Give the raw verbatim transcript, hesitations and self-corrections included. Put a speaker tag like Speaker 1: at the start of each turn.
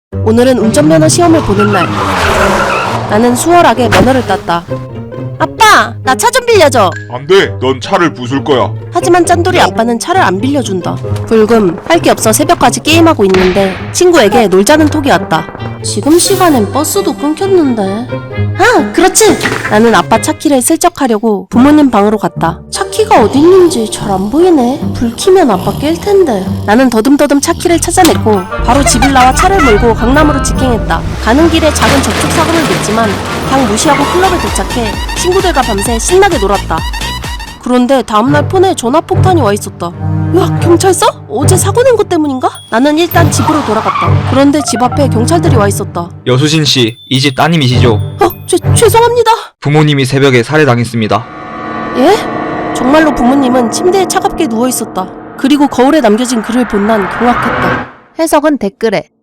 Speaker 1: 오늘은 운전면허 시험을 보는 날. 나는 수월하게 면허를 땄다. 아빠, 나 차 좀 빌려줘.
Speaker 2: 안 돼. 넌 차를 부술 거야.
Speaker 1: 하지만 짠돌이 아빠는 차를 안 빌려준다. 불금, 할 게 없어 새벽까지 게임하고 있는데 친구에게 놀자는 톡이 왔다. 지금 시간엔 버스도 끊겼는데. 아, 그렇지! 나는 아빠 차키를 슬쩍 하려고 부모님 방으로 갔다. 차키가 어디 있는지 잘 안 보이네. 불 켜면 아빠 깰 텐데. 나는 더듬더듬 차키를 찾아냈고 바로 집을 나와 차를 몰고 강남으로 직행했다. 가는 길에 작은 접촉사고를 냈지만 그냥 무시하고 클럽에 도착해 친구들과 밤새 신나게 놀았다. 그런데 다음날 폰에 전화폭탄이 와 있었다. 야, 경찰서? 어제 사고 낸 것 때문인가? 나는 일단 집으로 돌아갔다. 그런데 집 앞에 경찰들이 와 있었다.
Speaker 3: 여수진 씨, 이 집 따님이시죠?
Speaker 1: 어, 죄, 죄송합니다.
Speaker 3: 부모님이 새벽에 살해당했습니다.
Speaker 1: 예? 정말로 부모님은 침대에 차갑게 누워 있었다. 그리고 거울에 남겨진 글을 본 난 경악했다. 해석은 댓글에.